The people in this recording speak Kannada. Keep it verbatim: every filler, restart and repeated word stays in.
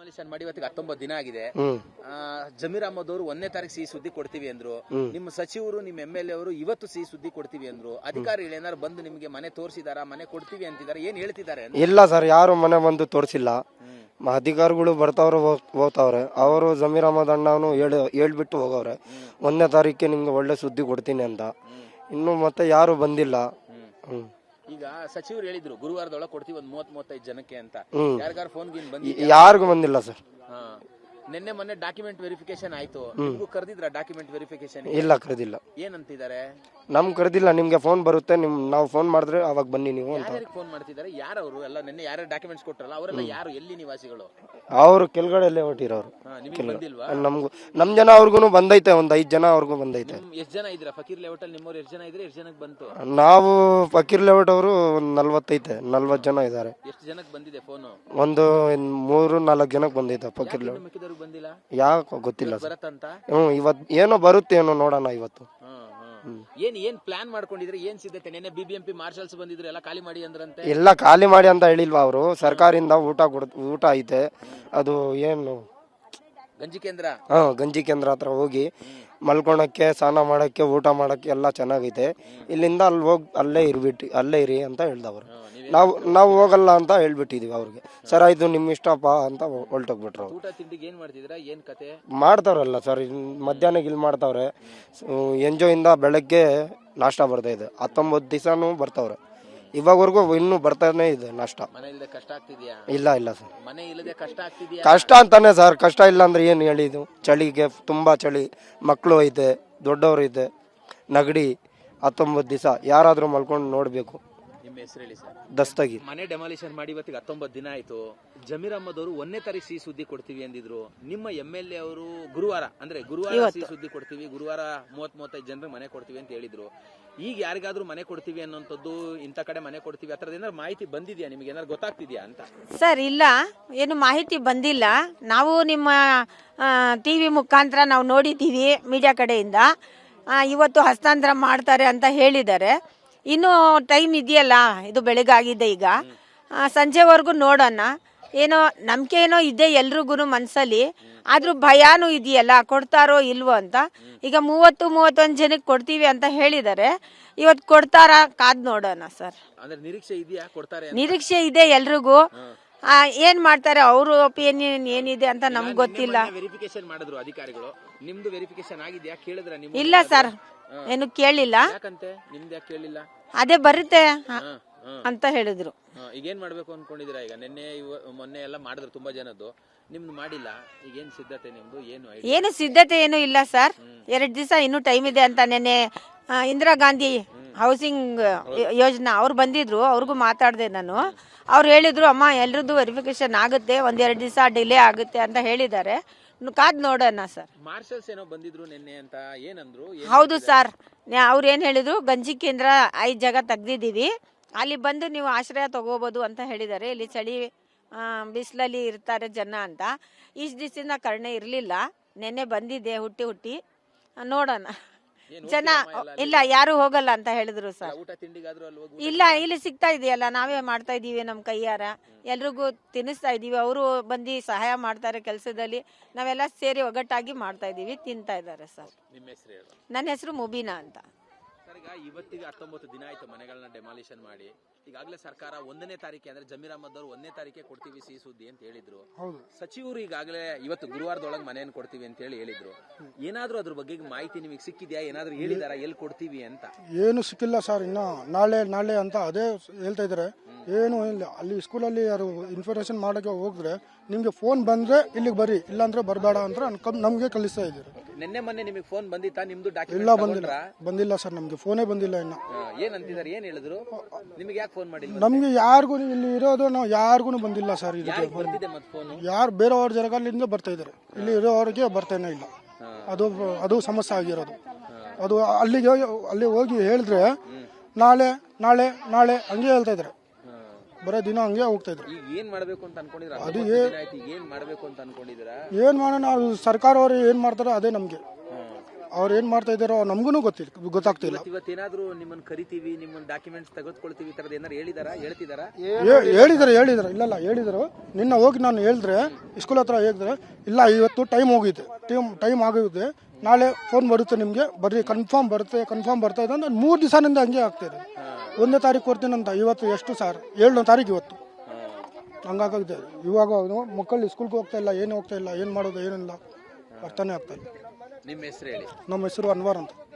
ಡೆಮಾಲಿಷನ್ ಮಾಡಿ ಇವತ್ತಿಗೆ ಹತ್ತೊಂಬತ್ತು ದಿನ ಆಗಿದೆ. ಜಮೀರ್ ಅಹಮದ್ ಅವರು ಒಂದನೇ ತಾರೀಕು ಸಿಹಿ ಸುದ್ದಿ ಕೊಡ್ತೀವಿ ಅಂದ್ರು. ನಿಮ್ಮ ಸಚಿವರು ನಿಮ್ಮ ಎಂ ಎಲ್ ಎ ಅವರು ಇವತ್ತು ಸಿಹಿ ಸುದ್ದಿ ಕೊಡ್ತೀವಿ ಅಂದ್ರು. ಅಧಿಕಾರಿಗಳು ಏನಾರು ಬಂದು ನಿಮಗೆ ಮನೆ ತೋರಿಸಿದಾರ, ಮನೆ ಕೊಡ್ತೀವಿ ಅಂತಿದ್ದಾರೆ, ಏನ್ ಹೇಳ್ತಿದ್ದಾರೆ? ಇಲ್ಲ ಸರ್, ಯಾರು ಮನೆ ಬಂದು ತೋರಿಸಿಲ್ಲ. ಅಧಿಕಾರಿಗಳು ಬರ್ತಾವ್ರೆ ಹೋಗ್ತಾವ್ರೆ. ಅವರು ಜಮೀರ್ ಅಹಮದ್ ಅಣ್ಣನು ಹೇಳಿ ಹೇಳ್ಬಿಟ್ಟು ಹೋಗವ್ರೆ ಒಂದನೇ ತಾರೀಕಿಗೆ ನಿಮ್ಗೆ ಒಳ್ಳೆ ಸುದ್ದಿ ಕೊಡ್ತೀನಿ ಅಂತ. ಇನ್ನು ಮತ್ತೆ ಯಾರು ಬಂದಿಲ್ಲ. ಹ್ಮ್ ಈಗ ಸಚಿವರು ಹೇಳಿದ್ರು ಗುರುವಾರದೊಳಗೆ ಕೊಡ್ತೀವಿ ಒಂದ್ ಮೂವತ್ ಮೂವತ್ತೈದು ಜನಕ್ಕೆ ಅಂತ. ಯಾರಿಗಾರು ಫೋನ್ ಗಿನ್ ಬಂದಿ? ಯಾರಿಗೂ ಬಂದಿಲ್ಲ ಸರ್. ನಿನ್ನೆ ಮೊನ್ನೆ ಡಾಕ್ಯುಮೆಂಟ್ ವೆರಿಫಿಕೇಶನ್ ಆಯ್ತು. ನಿಮ್ಗೂ ಕರೆದಿದ್ರ ಡಾಕ್ಯುಮೆಂಟ್ ವೆರಿಫಿಕೇಶನ್? ಇಲ್ಲ, ಕರೆದಿಲ್ಲ. ಏನಂತಿದ್ದಾರೆ? ನಮ್ ಕರೆದಿಲ್ಲ, ನಿಮ್ಗೆ ಫೋನ್ ಬರುತ್ತೆ, ನಿಮ್ ನಾವು ಫೋನ್ ಮಾಡಿದ್ರೆ ಅವಾಗ ಬನ್ನಿ ನೀವು ಅಂತ. ಫೋನ್ ಮಾಡ್ತಿದ್ದಾರೆ. ಯಾರವರು ಎಲ್ಲ ನಿನ್ನೆ ಯಾರು ಡಾಕ್ಯುಮೆಂಟ್ಸ್ ಕೊಟ್ರಲ್ಲ ಅವರೆಲ್ಲ ಯಾರು, ಎಲ್ಲಿ ನಿವಾಸಿಗಳು? ಅವರು ಕೆಳಗಡೆ ಹೊಟ್ಟಿರೋರು. ನಮ್ಗೂ ನಮ್ ಜನ ಅವ್ರಿಗೂ ಬಂದೈತೆ, ಒಂದ್ ಐದ್ ಜನ ಅವ್ರಿಗೂ ಬಂದೈತೆ. ಎಷ್ಟ್ ಜನ ಇದ್ರ ಫಕೀರ್ ಲೇಔಟ್ ಅಲ್ಲಿ? ನಿಮ್ಮವ್ರು ಎಷ್ಟ್ ಜನ ಇದ್ರೆ ಎಷ್ಟ್ ಜನಕ್ಕೆ ಬಂತು? ನಾವು ಫಕೀರ್ ಲೇಔಟ್ ಅವರು ಒಂದ್ ನಲ್ವತ್ತೈತೆ ನಲ್ವತ್ ಜನ ಇದಾರೆ. ಎಷ್ಟು ಜನಕ್ಕೆ ಬಂದಿದೆ ಫೋನ್? ಒಂದು ಮೂರು ನಾಲ್ಕು ಜನಕ್ಕೆ ಬಂದೈತೆ ಫಕೀರ್ ಲೇಔಟ್. ಬಂದಿಲ್ಲ ಯಾಕೆ ಗೊತ್ತಿಲ್ಲ ಸರ್. ಬರತ್ತಂತ? ಹ್ಮ್ ಇವತ್ ಏನೋ ಬರುತ್ತೆ, ಏನೋ ನೋಡೋಣ ಇವತ್ತು. ಏನ್ ಏನ್ ಪ್ಲಾನ್ ಮಾಡ್ಕೊಂಡಿದ್ರೆ, ಏನ್ ಸಿದ್ಧತೆ? ನೆನ್ನೆ ಬಿಬಿಎಂಪಿ ಮಾರ್ಷಲ್ಸ್ ಬಂದಿದ್ರು, ಎಲ್ಲ ಖಾಲಿ ಮಾಡಿ ಅಂದ್ರಂತೆ. ಎಲ್ಲ ಖಾಲಿ ಮಾಡಿ ಅಂತ ಹೇಳಿಲ್ವಾ ಅವರು? ಸರ್ಕಾರದಿಂದ ಊಟ ಕೊಡ್ ಊಟ ಐತೆ. ಅದು ಏನು ಗಂಜಿ ಕೇಂದ್ರ? ಹಾ, ಗಂಜಿ ಕೇಂದ್ರ ಹತ್ರ ಹೋಗಿ ಮಲ್ಕೊಳಕ್ಕೆ, ಸ್ನಾನ ಮಾಡಕ್ಕೆ, ಊಟ ಮಾಡಕ್ಕೆ ಎಲ್ಲ ಚೆನ್ನಾಗೈತೆ. ಇಲ್ಲಿಂದ ಅಲ್ಲಿ ಹೋಗಿ ಅಲ್ಲೇ ಇರ್ಬಿಟ್ಟು ಅಲ್ಲೇ ಇರಿ ಅಂತ ಹೇಳ್ದವ್ರು. ನಾವು ನಾವು ಹೋಗಲ್ಲ ಅಂತ ಹೇಳ್ಬಿಟ್ಟಿದೀವಿ ಅವ್ರಿಗೆ. ಸರ್ ಆಯ್ತು ನಿಮ್ ಇಷ್ಟಪ್ಪ ಅಂತ ಹೊಲ್ಟೋಗ್ಬಿಟ್ರು. ಊಟ ತಿಂಡಿಗೆ ಏನ್ ಮಾಡ್ತಿದ್ರ? ಏನ್ ಕತೆ ಮಾಡ್ತಾವ್ರಲ್ಲ ಸರ್, ಮಧ್ಯಾಹ್ನ ಇಲ್ಲಿ ಮಾಡ್ತಾವ್ರೆ. ಎಂಜೋ ಇಂದ ಬೆಳಗ್ಗೆ ನಾಷ್ಟ ಬರ್ತಾ ಇದೆ. ಹತ್ತೊಂಬತ್ತು ದಿವಸನೂ ಬರ್ತಾವ್ರೆ. ಇವಾಗವರೆಗೂ ಇನ್ನೂ ಬರ್ತಾನೆ ಇದೆ ನಾಷ್ಟ. ಮನೆ ಇಲ್ಲದೆ ಕಷ್ಟ ಆಗ್ತಿದ್ಯಾ? ಇಲ್ಲ ಇಲ್ಲ ಸರ್, ಮನೆ ಇಲ್ಲದೆ ಕಷ್ಟ ಆಗ್ತಿದ್ಯಾ? ಕಷ್ಟ ಅಂತಾನೆ ಸರ್. ಕಷ್ಟ ಇಲ್ಲ ಅಂದ್ರೆ ಏನು ಹೇಳಿದು? ಚಳಿಗೆ ತುಂಬಾ ಚಳಿ, ಮಕ್ಕಳು ಐತೆ, ದೊಡ್ಡವರು ಐತೆ, ನಗಡಿ. ಹತ್ತೊಂಬತ್ತು ದಿವಸ ಯಾರಾದ್ರೂ ಮಲ್ಕೊಂಡು ನೋಡ್ಬೇಕು. ನಿಮ್ಮ ಹೆಸರು ಹೇಳಿ ಸರ್. ದಸ್ತಗಿ. ಮನೆ ಡೆಮಾಲಿಷನ್ ಮಾಡಿ ಇವತ್ತಿಗೆ ಹತ್ತೊಂಬತ್ತು ದಿನ ಆಯ್ತು. ಜಮೀರ್ ಅಹಮದ್ ಅವರು ಒಂದನೇ ತಾರೀಕು ಸಿಹಿ ಸುದ್ದಿ ಕೊಡ್ತೀವಿ ಅಂದಿದ್ರು. ನಿಮ್ಮ ಎಂ ಎಲ್ ಎ ಅವರು ಗುರುವಾರ ಅಂದ್ರೆ ಗುರುವಾರ ಸಿಹಿ ಸುದ್ದಿ ಕೊಡ್ತೀವಿ, ಗುರುವಾರ ಮೂವತ್ ಮೂವತ್ತೈದು ಜನರಿಗೆ ಮನೆ ಕೊಡ್ತೀವಿ ಅಂತ ಹೇಳಿದ್ರು. ಈಗ ಯಾರಿಗಾದ್ರೂ ಮನೆ ಕೊಡ್ತೀವಿ ಅನ್ನೋಂಥದ್ದು, ಇಂಥ ಕಡೆ ಮನೆ ಕೊಡ್ತೀವಿ ಆ ಥರದ್ದು ಏನಾದ್ರು ಮಾಹಿತಿ ಬಂದಿದ್ಯಾ ನಿಮ್ಗೆ? ಏನಾದ್ರು ಗೊತ್ತಾಗ್ತಿದ್ಯಾ ಅಂತ? ಸರ್ ಇಲ್ಲ, ಏನು ಮಾಹಿತಿ ಬಂದಿಲ್ಲ. ನಾವು ನಿಮ್ಮ ಟಿವಿ ಮುಖಾಂತರ ನಾವು ನೋಡಿದ್ದೀವಿ ಮೀಡಿಯಾ ಕಡೆಯಿಂದ. ಇವತ್ತು ಹಸ್ತಾಂತರ ಮಾಡ್ತಾರೆ ಅಂತ ಹೇಳಿದ್ದಾರೆ. ಇನ್ನೂ ಟೈಮ್ ಇದೆಯಲ್ಲ, ಇದು ಬೆಳಗಾಗಿದೆ. ಈಗ ಸಂಜೆವರೆಗೂ ನೋಡೋಣ. ಏನೋ ನಂಬಿಕೆ ಏನೋ ಇದೆ ಎಲ್ರಿಗೂ ಮನಸ್ಸಲ್ಲಿ, ಆದ್ರೂ ಭಯಾನೂ ಇದೆಯಲ್ಲ, ಕೊಡ್ತಾರೋ ಇಲ್ವೋ ಅಂತ. ಈಗ ಮೂವತ್ತು ಮೂವತ್ತೊಂದು ಜನಕ್ಕೆ ಕೊಡ್ತೀವಿ ಅಂತ ಹೇಳಿದ್ದಾರೆ. ಇವತ್ತು ಕೊಡ್ತಾರ ಕಾದ್ ನೋಡೋಣ ಸರ್. ನಿರೀಕ್ಷೆ ಇದೆಯಾ ಕೊಡ್ತಾರೆ? ನಿರೀಕ್ಷೆ ಇದೆ ಎಲ್ರಿಗೂ. ಏನ್ ಮಾಡ್ತಾರೆ ಅವ್ರ ಒಪಿನಿಯನ್ ಏನಿದೆ ಅಂತ ನಮ್ಗೆ ಗೊತ್ತಿಲ್ಲ. ವೆರಿಫಿಕೇಶನ್ ಮಾಡಿದ್ರು ಅಧಿಕಾರಿಗಳು. ನಿಮ್ದು ವೆರಿಫಿಕೇಶನ್ ಆಗಿದೆಯಾ ಕೇಳಿದ್ರ ನೀವು? ಇಲ್ಲ ಸರ್, ಏನು ಕೇಳಿಲ್ಲ. ಯಾಕಂತೆ ನಿಮ್ದು ಯಾಕೆ ಕೇಳಿಲ್ಲ? ಅದೇ ಬರುತ್ತೆ ಅಂತ ಹೇಳಿದ್ರು. ಈಗ ಏನ್ ಮಾಡ್ಬೇಕು ಅನ್ಕೊಂಡಿದೀರಾ? ಈಗ ನಿನ್ನೆ ಮೊನ್ನೆ ಎಲ್ಲ ಮಾಡಿದ್ರು ತುಂಬಾ ಜನದ್ದು, ನಿಮ್ದು ಮಾಡಿಲ್ಲ. ಈಗ ಏನ್ ಸಿದ್ಧತೆ ನಿಮ್ದು? ಏನು ಏನು ಸಿದ್ಧತೆ ಏನು ಇಲ್ಲ ಸರ್. ಎರಡ್ ದಿವಸ ಇನ್ನೂ ಟೈಮ್ ಇದೆ ಅಂತ ನಿನ್ನೆ ಇಂದಿರಾ ಗಾಂಧಿ ಹೌಸಿಂಗ್ ಯೋಜನಾ ಅವ್ರು ಬಂದಿದ್ರು, ಅವ್ರಿಗೂ ಮಾತಾಡಿದೆ ನಾನು. ಅವ್ರು ಹೇಳಿದ್ರು ಅಮ್ಮ ಎಲ್ರದ್ದು ವೆರಿಫಿಕೇಶನ್ ಆಗುತ್ತೆ, ಒಂದೆರಡು ದಿವಸ ಡಿಲೇ ಆಗುತ್ತೆ ಅಂತ ಹೇಳಿದ್ದಾರೆ. ಕಾದ್ ನೋಡೋಣ ಸರ್. ಮಾರ್ಷಲ್ಸ್ ಏನೋ ಬಂದಿದ್ರು ನಿನ್ನೆ ಅಂತ ಏನಂದ್ರು? ಹೌದು ಸರ್, ಅವ್ರು ಏನ್ ಹೇಳಿದ್ರು, ಗಂಜಿ ಕೇಂದ್ರ ಐದು ಜಾಗ ತೆಗ್ದಿದ್ದೀವಿ, ಅಲ್ಲಿ ಬಂದು ನೀವು ಆಶ್ರಯ ತಗೋಬಹುದು ಅಂತ ಹೇಳಿದ್ದಾರೆ. ಇಲ್ಲಿ ಚಳಿ ಬಿಸಿಲಲ್ಲಿ ಇರ್ತಾರೆ ಜನ ಅಂತ. ಇಷ್ಟು ದಿವಸದಿಂದ ಕರ್ಣೆ ಇರಲಿಲ್ಲ, ನೆನ್ನೆ ಬಂದಿದ್ದೆ ಹುಟ್ಟಿ ಹುಟ್ಟಿ ನೋಡೋಣ. ಜನ ಇಲ್ಲ ಯಾರು ಹೋಗಲ್ಲ ಅಂತ ಹೇಳಿದ್ರು ಸರ್. ಇಲ್ಲ, ಇಲ್ಲಿ ಸಿಗ್ತಾ ಇದೆಯಲ್ಲ, ನಾವೇ ಮಾಡ್ತಾ ಇದೀವಿ ನಮ್ಮ ಕೈಯಾರ, ಎಲ್ರಿಗೂ ತಿನ್ನಿಸ್ತಾ ಇದೀವಿ. ಅವರು ಬಂದು ಸಹಾಯ ಮಾಡ್ತಾರೆ ಕೆಲಸದಲ್ಲಿ, ನಾವೆಲ್ಲ ಸೇರಿ ಒಗ್ಗಟ್ಟಾಗಿ ಮಾಡ್ತಾ ಇದೀವಿ, ತಿಂತಾ ಇದ್ದಾರೆ ಸರ್. ನನ್ನ ಹೆಸರು ಮುಬೀನಾ ಅಂತ. ಇವತ್ತಿಗೆ ಹತ್ತೊಂಬತ್ತು ದಿನ ಆಯ್ತು ಮನೆಗಳನ್ನ ಡೆಮಾಲಿಷನ್ ಮಾಡಿ. ಈಗಾಗಲೇ ಸರ್ಕಾರ ಒಂದನೇ ತಾರೀಕೆ ಅಂದ್ರೆ ಜಮೀರ್ ಅಹಮದ್ ಅವರು ಒಂದನೇ ತಾರೀಕೆ ಕೊಡ್ತೀವಿ ಸಿಹಿ ಸುದ್ದಿ ಅಂತ ಹೇಳಿದ್ರು. ಸಚಿವರು ಈಗಾಗಲೇ ಇವತ್ತು ಗುರುವಾರದೊಳಗೆ ಮನೆಯನ್ನು ಕೊಡ್ತೀವಿ ಅಂತ ಹೇಳಿ ಹೇಳಿದ್ರು. ಏನಾದ್ರೂ ಅದ್ರ ಬಗ್ಗೆ ಮಾಹಿತಿ ನಿಮಗೆ ಸಿಕ್ಕಿದ್ಯಾ? ಏನಾದ್ರೂ ಹೇಳಿದಾರ ಎಲ್ಲಿ ಕೊಡ್ತೀವಿ ಅಂತ? ಏನು ಸಿಕ್ಕಿಲ್ಲ ಸರ್, ಇನ್ನ ನಾಳೆ ನಾಳೆ ಅಂತ ಅದೇ ಹೇಳ್ತಾ ಇದಾರೆ. ಏನು ಇಲ್ಲ, ಅಲ್ಲಿ ಸ್ಕೂಲಲ್ಲಿ ಯಾರು ಇನ್ಫಾರ್ಮೇಶನ್ ಮಾಡಕ್ಕೆ ಹೋಗಿದ್ರೆ ನಿಮ್ಗೆ ಫೋನ್ ಬಂದ್ರೆ ಇಲ್ಲಿಗೆ ಬರ್ರಿ, ಇಲ್ಲಾಂದ್ರೆ ಬರಬೇಡ ಅಂತ ನಮ್ಗೆ ಕಲಿಸ್ತಾ ಇದ್ದಾರೆ. ನಿನ್ನೆ ಮೊನ್ನೆ ನಿಮಗೆ ಫೋನ್ ಬಂದಿತ್ತಾ ನಿಮ್ದು? ಇಲ್ಲ, ಬಂದಿಲ್ಲ ಬಂದಿಲ್ಲ ಸರ್, ನಮ್ಗೆ ಫೋನೇ ಬಂದಿಲ್ಲ ಇನ್ನ. ಏನ್ ಅಂತಿದ್ದಾರೆ, ಏನ್ ಹೇಳಿದ್ರು ನಿಮ್ಗೆ? ಯಾಕೆ ಫೋನ್ ಮಾಡಿಲ್ಲ? ನಮ್ಗೆ ಯಾರಿಗೂ ಇಲ್ಲಿ ಇರೋದು ನಾವು ಯಾರಿಗೂ ಬಂದಿಲ್ಲ ಸರ್. ಇದಕ್ಕೆ ಯಾರು ಬೇರೆಯವ್ರ ಜಾಗದಿಂದ ಬರ್ತಾ ಇದಾರೆ, ಇಲ್ಲಿ ಇರೋರಿಗೆ ಬರ್ತಾನೆ ಇಲ್ಲ. ಅದು ಅದು ಸಮಸ್ಯೆ ಆಗಿರೋದು. ಅದು ಅಲ್ಲಿಗೆ ಅಲ್ಲಿ ಹೋಗಿ ಹೇಳಿದ್ರೆ ನಾಳೆ ನಾಳೆ ನಾಳೆ ಹಂಗೆ ಹೇಳ್ತಾ ಇದಾರೆ, ಬರೋ ದಿನ ಹಂಗೆ ಹೋಗ್ತಾ ಇದ್ರು. ಏನ್ ಮಾಡ್ಬೇಕು ಅಂತ ಅನ್ಕೊಂಡಿದ್ರ? ಅದು ಏನ್ ಮಾಡ್ಬೇಕು ಅಂತ ಅನ್ಕೊಂಡಿದ್ರ? ಏನ್ ಮಾಡೋಣ, ಸರ್ಕಾರ ಅವರು ಏನ್ ಮಾಡ್ತಾರೋ ಅದೇ ನಮ್ಗೆ. ಅವ್ರು ಏನು ಮಾಡ್ತಾ ಇದ್ದಾರೋ ನಮಗೂ ಗೊತ್ತಿಲ್ಲ ಗೊತ್ತಾಗ್ತಿಲ್ಲ. ಇವತ್ತೇನಾದ್ರೂ ನಿಮ್ಮನ್ನ ಕರಿತೀವಿ, ನಿಮ್ಮನ್ನ ಡಾಕ್ಯುಮೆಂಟ್ಸ್ ತೆಗೆದುಕೊಳ್ತೀವಿ ಈ ತರದ್ ಏನಾರು ಹೇಳಿದಾರಾ, ಹೇಳ್ತಿದಾರಾ? ಹೇ- ಹೇಳಿದ್ದಾರೆ ಹೇಳಿದ್ದಾರೆ ಇಲ್ಲಲ್ಲ ಹೇಳಿದರು. ನಿನ್ನ ಹೋಗಿ ನಾನು ಹೇಳಿದ್ರೆ ಸ್ಕೂಲ್ ಹತ್ರ ಹೇಳಿದ್ರೆ, ಇಲ್ಲ ಇವತ್ತು ಟೈಮ್ ಹೋಗಿದೆ, ಟೈಮ್ ಟೈಮ್ ಆಗಿದೆ, ನಾಳೆ ಫೋನ್ ಬರುತ್ತೆ ನಿಮಗೆ, ಬರ್ರಿ ಕನ್ಫರ್ಮ್ ಬರುತ್ತೆ ಕನ್ಫರ್ಮ್ ಬರ್ತಾ ಇದೆ ಅಂತ ಮೂರು ದಿವಸದಿಂದ ಹಂಗೆ ಆಗ್ತಿದೆ. ಒಂದನೇ ತಾರೀಕು ಕೊಡ್ತೀನಿ ಅಂತ, ಇವತ್ತು ಎಷ್ಟು ಸರ್ ಏಳನೇ ತಾರೀಕು ಇವತ್ತು ಹಂಗಾಗಿದೆ. ಇವಾಗ ಅವ್ನು ಮಕ್ಕಳು ಸ್ಕೂಲ್ಗೆ ಹೋಗ್ತಾ ಇಲ್ಲ, ಏನು ಹೋಗ್ತಾ ಇಲ್ಲ, ಏನು ಮಾಡೋದು ಏನಿಲ್ಲ ಅರ್ಥನೇ ಆಗ್ತಾ ಇಲ್ಲ. ನಿಮ್ಮ ಹೆಸರು ಹೇಳಿ. ನಮ್ಮ ಹೆಸರು ಅನ್ವರ್ ಅಂತ.